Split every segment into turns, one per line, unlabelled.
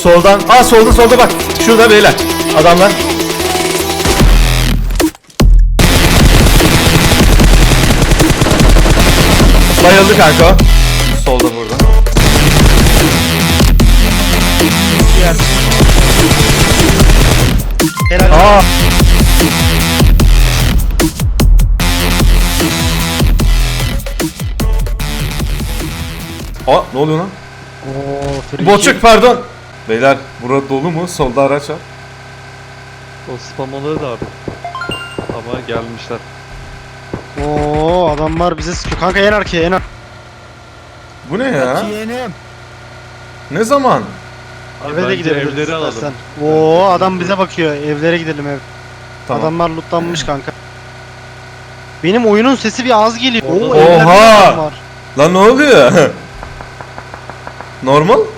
Soldan. Aa solda bak. Şurada beyler. Adamlar. Bayıldı kanka o. Solda burada.
Helal.
Aa. Aa ne oluyor lan?
Oo, free
Boçuk
kill.
pardon. Beyler burada dolu mu? Solda araç var.
O spamaları da abi. Ama gelmişler.
Oo, adamlar bize sıkıyor. Kanka en arkaya en arkaya.
Bu ne ya?
Yeğenim.
Ne zaman?
Abi
Eve de
bence
gidebiliriz
evleri alalım.
istersen. Oo, adam bize bakıyor. Evlere gidelim ev.
Tamam.
Adamlar lootlanmış kanka. Benim oyunun sesi bir az geliyor. Oo,
Oha!
evlerde adam var.
Lan ne oluyor? Normal?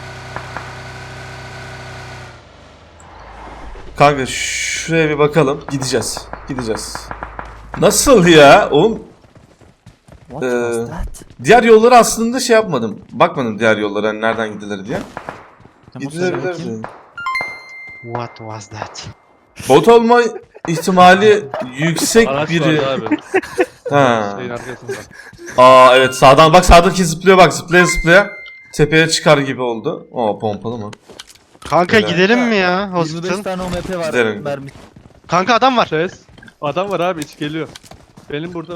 Kanka şuraya bir bakalım. Gideceğiz. Nasıl ya? Oğlum
What
Ee,
was that?
diğer yolları aslında şey yapmadım. Bakmadım diğer yollara hani nereden gidilir diye.
Tamam, söyle
Gidilebilir.
bakayım.
What was that?
Bot olma ihtimali yüksek
Araç
biri.
vardı abi.
Ha.
Şeyin arkasında.
Aa evet sağdan bak sağdaki zıplıyor bak zıplaya. Tepeye çıkar gibi oldu. Oo pompalı mı?
Kanka
Helal.
gidelim mi ya
25
hospital?
tane OMP var.
Gidelim.
Mermi.
Kanka adam var.
Ses. Adam var abi iç geliyor. Benim burada.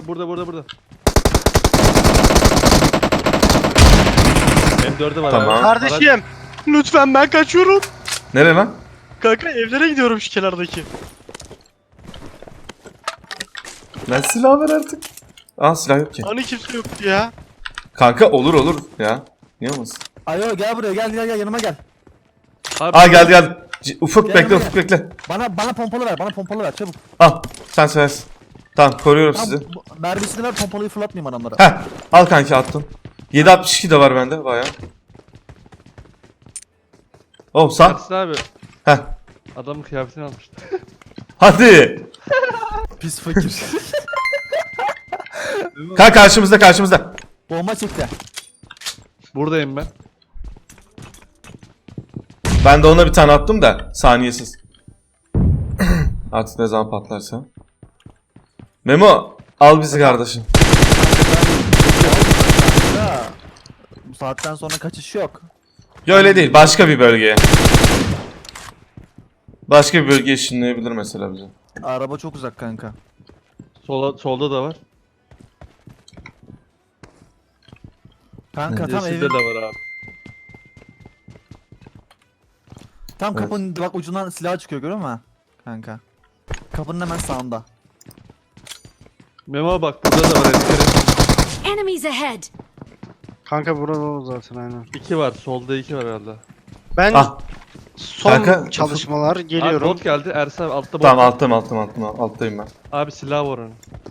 M4'ü var
Tamam.
abi.
Kardeşim. Lütfen ben kaçıyorum.
Nereye lan?
Kanka evlere gidiyorum şu kenardaki.
Ben silah ver artık. Aa silah yok ki.
Hani kimse yoktu ya.
Kanka olur ya. Niye olmasın?
Ayo gel buraya gel yanıma gel.
Abi,
Aa geldi. Ufuk
Gel
bekle
buraya.
Ufuk bekle.
Bana pompalı ver çabuk.
Al sen seversin. Tamam koruyorum
Tamam,
sizi.
mermisini ver pompalıyı fırlatmayayım adamlara.
Heh al kanki attım. 7.62 de var bende bayağı. Oh sağ.
Ersin abi.
Heh.
Adamın kıyafetini almıştı.
Hadi.
Pis fakir.
Kanka karşımızda.
Bomba çekti.
Buradayım ben.
Ben de ona bir tane attım da saniyesiz. Artık ne zaman patlarsa. Memo al bizi kardeşim.
Ya, bu saatten sonra kaçış yok.
Ya öyle değil başka bir bölgeye. Başka bir bölgeye ışınlayabilir mesela bizi.
Araba çok uzak kanka.
Solda da var.
Kanka tam
Yeşilde
evin,
de var abi.
tam
Evet.
kapının bak ucundan silah çıkıyor görüyor musun? Kanka. Kapının hemen sağında.
Memo bak burada da var.
Enemies ahead!
Kanka burada o zaten aynen.
2 var. Solda 2 var herhalde.
Ben
Ah
son
Kanka,
çalışmalar
Abi
geliyorum.
bot geldi. Ersin abi altta bot.
tamam alttayım ben.
Abi silah var onun.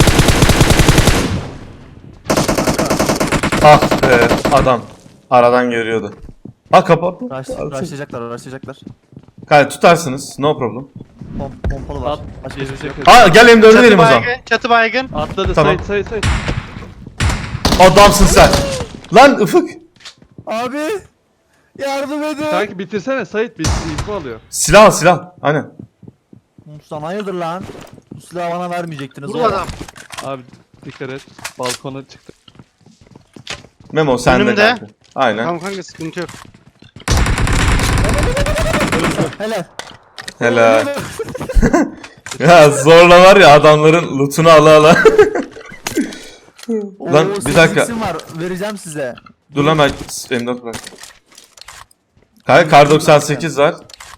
Ah be adam aradan görüyordu. Ha kapattı.
Rushlayacaklar.
Kanka tutarsınız no problem.
Pompalı var.
At.
Başka hiçbir şey yok.
Gelecek.
Aa gel M4'ü verelim o zaman.
Çatı baygın.
Atladı.
Tamam.
Sayt.
Adamsın sen. Lan Ufuk.
Abi yardım edin.
Kanki bitirsene Sait bir info alıyor.
Silah. Aynen.
Sen hayırdır lan? Bu silahı bana vermeyecektiniz.
Burada adam.
Abi dikkat et. Balkona çıktı.
Memo sen de
Önümde.
kanka. Aynen.
Tamam kanka sıkıntı yok.
Helal.
Helal. Ya zorla var ya adamların lootunu ala. Lan,
Oo,
bir dakika.
8x'im var. Vereceğim size.
Dur lan ben M4 bırak. Kanka kar 98 var.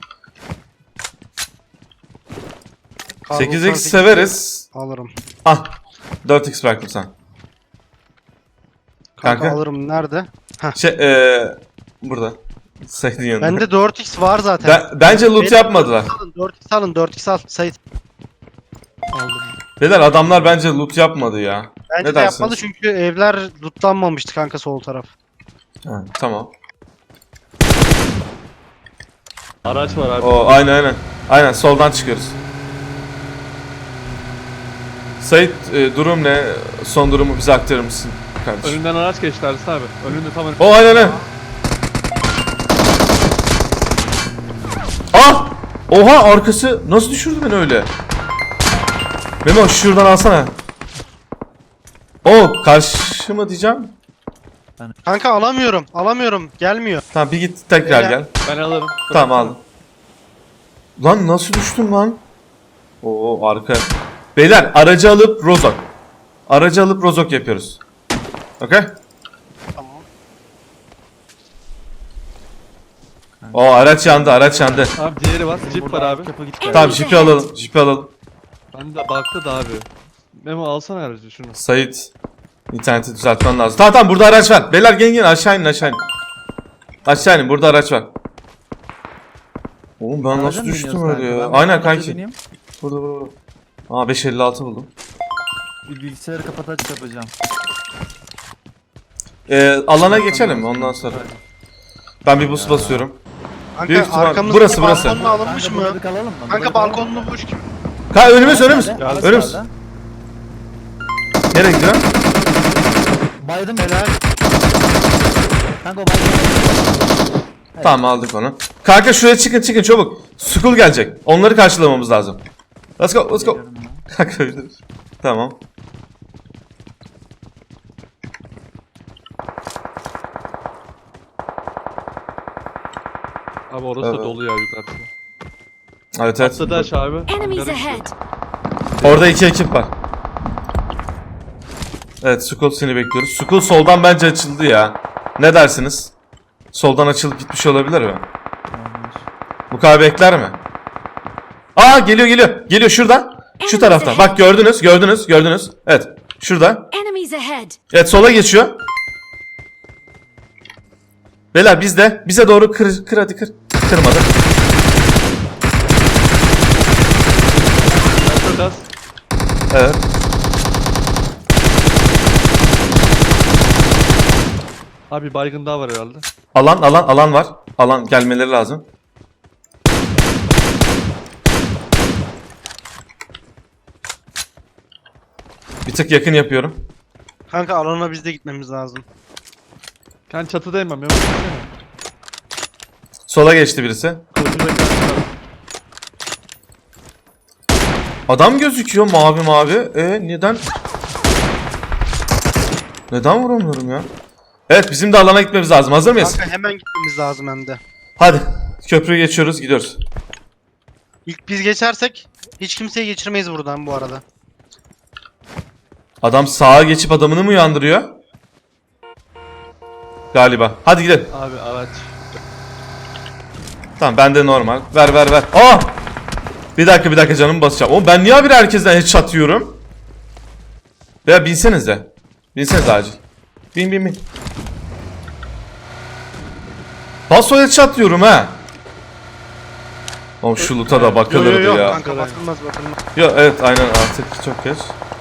8x severiz.
Alırım.
Ah 4x bıraktım sen.
Kanka,
Kanka.
alırım. Nerede?
Burada. Sait'in yanında.
Bende 4x var zaten.
Bence loot
Benim-
yapmadılar.
4x alın 4x al. Sait.
Aldım.
Beyler adamlar bence loot yapmadı ya.
Bence
Ne
de
dersiniz?
yapmadı çünkü evler lootlanmamıştı kanka sol taraf.
Ha, tamam.
Araç var abi.
O aynen. Aynen soldan çıkıyoruz. Sait durum ne? Son durumu bize aktarır mısın kardeşim?
Önünden araç geçti Ersin abi. Önünde tam önünde.
O aynen. Oha arkası nasıl düşürdü beni öyle? Memo şuradan alsana. O karşı mı diyeceğim?
Kanka alamıyorum. Alamıyorum. Gelmiyor.
Tamam bir git tekrar
Beyler.
gel.
Ben alırım.
Tamam aldım. Lan nasıl düştüm lan? Oo arka. Beyler aracı alıp rozok. Aracı alıp rozok yapıyoruz. Okey?
Tamam.
O araç yandı, araç yandı.
Abi diğeri var. Jeep var abi.
Kapı gitti.
Tamam jipi alalım, jipi alalım.
Ben de baktı da abi. Memo alsana aracı şunu.
Sait, interneti düzeltmen lazım. Tamam tamam burada araç var. Beyler gelin gelin aşağı inin aşağı inin. Aşağı inin burada araç var. Oğlum ben
Araca
nasıl
mı
düştüm
biniyoruz
öyle ya?
kanka? Ben
Aynen
araca
kanki.
bineyim.
Burada. Aa 556 buldum.
Bir bilgisayarı kapataç yapacağım.
Alana geçelim ondan sonra. Ben bir bus basıyorum.
Kanka
Büyük ihtimal-
arkamızdaki
burası, burası.
balkonla alınmış
Kanka
mı?
burada bir kalalım mı? Burada
Kanka
bir kalalım mı?
balkonlu boş gibi.
Önümüz önümüz.
Nerede?
Önümüz.
Nerede?
Nereye gidiyor?
Baydım.
Helal.
Kanka o baydım.
Tamam aldık onu. Kanka şuraya çıkın çıkın çabuk. Skull gelecek. Onları karşılamamız lazım. Let's go let's go.
Geliyorum ya.
Kanka öyle. Tamam.
Abi orası
Evet.
da dolu ya yukarıda.
Evet evet.
Atladı aşağı abi.
Enemies
Hangara
ahead.
Orada iki ekip var. Evet Skull seni bekliyoruz. Skull soldan bence açıldı ya. Ne dersiniz? Soldan açılıp gitmiş olabilir mi? Bu kadar bekler mi? Aa geliyor geliyor. Geliyor şuradan. Şu taraftan. Bak gördünüz gördünüz gördünüz. Evet şurada.
Enemies ahead.
Evet sola geçiyor. Beyler bizde. Bize doğru kır hadi kır. Kırmadı.
Biraz.
Evet.
Abi baygın daha var herhalde.
Alan var. Alan gelmeleri lazım. Bir tık yakın yapıyorum.
Kanka alana biz de gitmemiz lazım.
Ben çatıdayım ben. Memo gitsene.
Sola geçti birisi.
Kılıcı beklersin abi.
Adam gözüküyor mavi mavi. Neden? Neden vuramıyorum ya? Evet bizim de alana gitmemiz lazım. Hazır mıyız?
Kanka hemen gitmemiz lazım hem de.
Hadi. Köprüyü geçiyoruz gidiyoruz.
İlk biz geçersek hiç kimseyi geçirmeyiz buradan bu arada.
Adam sağa geçip adamını mı uyandırıyor? Galiba. Hadi gidelim.
Abi araç.
Tamam bende normal. Ver. Aa! Bir dakika canımı basacağım. Oğlum ben niye habire herkesten headshot yiyorum? Veya binsenize. Binsenize acil. Bin. Paso headshot diyorum ha. Oğlum şu loot'a da bakılırdı
Yok
ya.
kanka bakılmaz.
Yok evet aynen artık çok geç.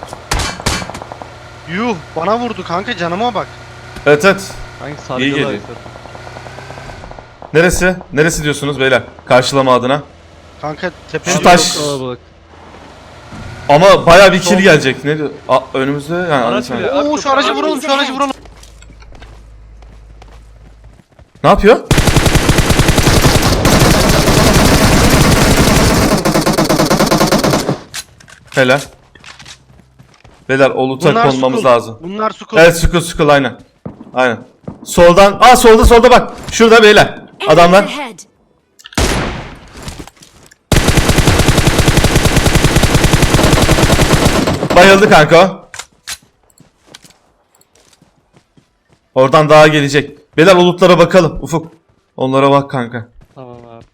Yuh bana vurdu kanka canıma bak.
Evet.
Hangi
İyi
sargılar
geliyor.
zaten.
Neresi? Neresi diyorsunuz beyler? Karşılama adına.
Kanka tepe
Şu
Abi
taş-
çok kalabalık.
Ama baya bir kill gelecek. Ne diyor? Önümüzde yani.
Araç
anlatayım.
bile-
Oo şu aracı vuralım şu aracı vuralım.
Ne yapıyor? Helal. Beyler o loot'a konmamız
Skull.
lazım.
Bunlar Skull.
Evet Skull aynen. Aynen. Soldan. Solda bak. Şurada beyler.
Enemies
Adamlar.
ahead.
Bayıldı kanka o. Oradan daha gelecek. Beyler o loot'lara bakalım. Ufuk. Onlara bak kanka.
Tamam abi.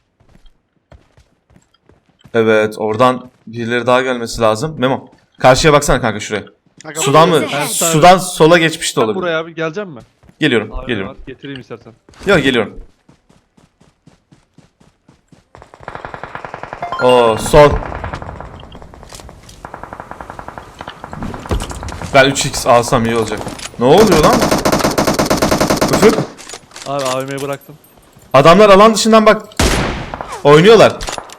Evet oradan birileri daha gelmesi lazım. Memo. Karşıya baksana kanka şuraya.
Kanka,
Sudan mı?
Ben-
Sudan sola geçmiş de
Sen
olabilir.
buraya abi gelecek mi?
Geliyorum.
Abi
Geliyorum.
var, getireyim istersen.
Yok geliyorum. Oo sol. Ben 3x alsam iyi olacak. Ne oluyor lan? Ufuk.
Abi AVM'yi bıraktım.
Adamlar alan dışından bak. Oynuyorlar.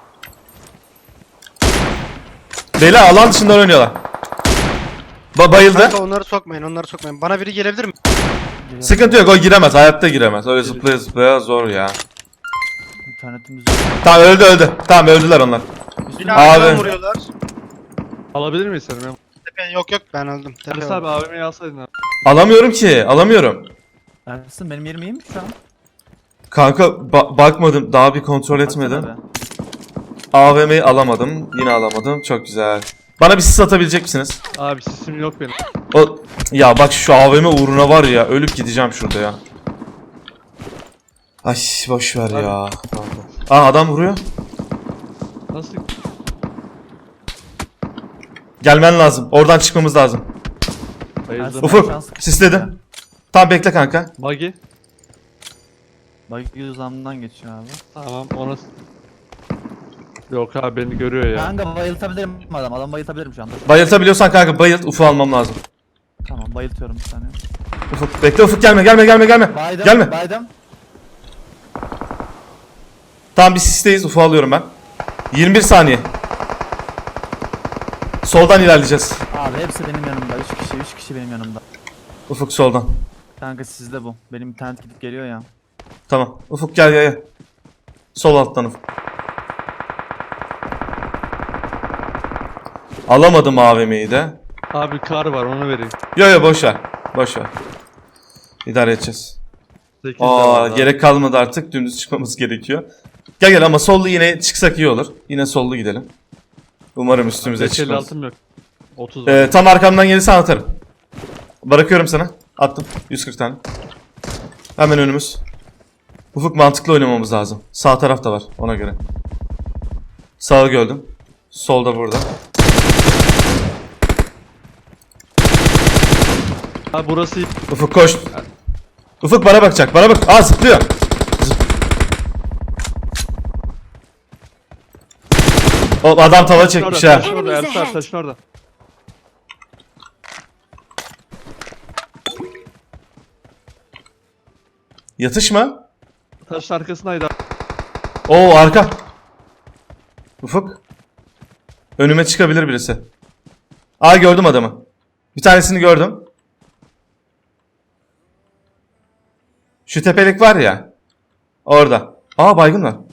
Beyler alan dışından oynuyorlar. Bayıldı.
Kanka onları sokmayın. Bana biri gelebilir mi?
Sıkıntı yok o giremez. Hayatta giremez. Öyle zıplaya zıplaya zor ya.
İnternetimiz yok.
Tamam öldü. Tamam öldüler onlar.
Binamdan
Abi.
vuruyorlar.
Alabilir miyiz seni Memo?
Tepe yok yok ben öldüm. Tepe
Enes
var.
abi AVM'yi alsaydın abi.
Alamıyorum ki. Alamıyorum.
Ersin benim yerim iyi mi şu an?
Kanka bakmadım. Daha bir kontrol etmedim.
Baksana be.
AVM'yi alamadım. Yine alamadım. Çok güzel. Bana bir sis atabilecek misiniz?
Abi sesim yok benim.
O ya bak şu AVM uğruna var ya ölüp gideceğim şurada ya. Ay boş ver ya. Aa adam vuruyor.
Nasıl?
Gelmen lazım. Oradan çıkmamız lazım.
Bayıldım.
Ersin,
Ufuk
şans-
sisledim. Tamam bekle kanka.
Buggy.
Bak yüzümden geçiyor abi.
Tamam ona... Yok abi beni görüyor ya.
Kanka bayıltabilirim adam. Adam bayıltabilirim şu anda.
Bayıltabiliyorsan kanka bayılt. Ufuk almam lazım.
Tamam bayıltıyorum bir saniye.
Ufuk bekle Ufuk gelme.
Baydım.
Gelme.
Baydım.
Tamam bir sisteyiz. Ufuk alıyorum ben. 21 saniye. Soldan ilerleyeceğiz.
Abi hepsi benim yanımda. 3 kişi benim yanımda.
Ufuk soldan.
Kanka sizde bu. Benim internet gidip geliyor ya.
Tamam. Ufuk gel. Sol alttan Ufuk. Alamadım AVM'yi de.
Abi kar var onu vereyim.
Yo boş ver. Boş ver. İdare edeceğiz.
8
Aa gerek kalmadı artık. Dümdüz çıkmamız gerekiyor. Gel ama sollu yine çıksak iyi olur. Yine sollu gidelim. Umarım üstümüze çıkmaz.
altım yok. 30 var.
Tam arkamdan gelirsen atarım. Bırakıyorum sana. Attım. 140 tane. Hemen önümüz. Ufuk mantıklı oynamamız lazım. Sağ taraf da var ona göre. Sağı gördüm. Solda burada.
Abi burası iyi.
Ufuk koş. Ufuk bana bakacak. Bana bak. Aa zıplıyor. O adam tava çekmiş ha.
Taşın orada Ersin abi taşın orada.
Yatışma.
Taşın arkasındaydı abi.
Oo arka. Ufuk. Önüme çıkabilir birisi. Aa gördüm adamı. Bir tanesini gördüm. Şu tepelik var ya. Orada. Aa baygın var.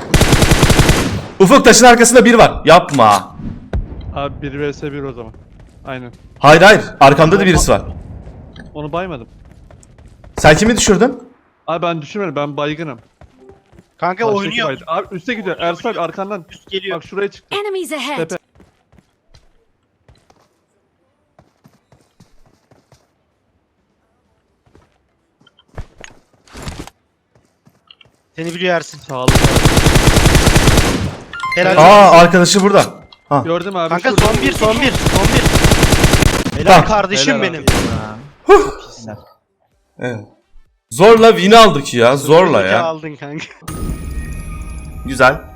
Ufuk taşın arkasında bir var. Yapma.
Abi 1 vs 1 o zaman. Aynen.
Hayır. Arkamda da birisi var.
Onu baymadım.
Sen kimi düşürdün?
Abi ben düşürmedim ben baygınım.
Kanka
Baştaki
oynuyor.
baydı. Abi üste gidiyor. Ersin abi arkandan.
Üst geliyor.
Bak şuraya çıktı.
Enemies ahead!
Tepe.
Seni biliyor Ersin.
Sağlık.
Helal.
Aa arkadaşı burada. Ha.
Gördüm abi.
Kanka
şurada.
son bir. Helal
Tamam.
kardeşim
Helal
benim.
Ha.
Evet. Zorla win aldık ya. Zorla
Zeki
ya.
aldın kanka.
Güzel.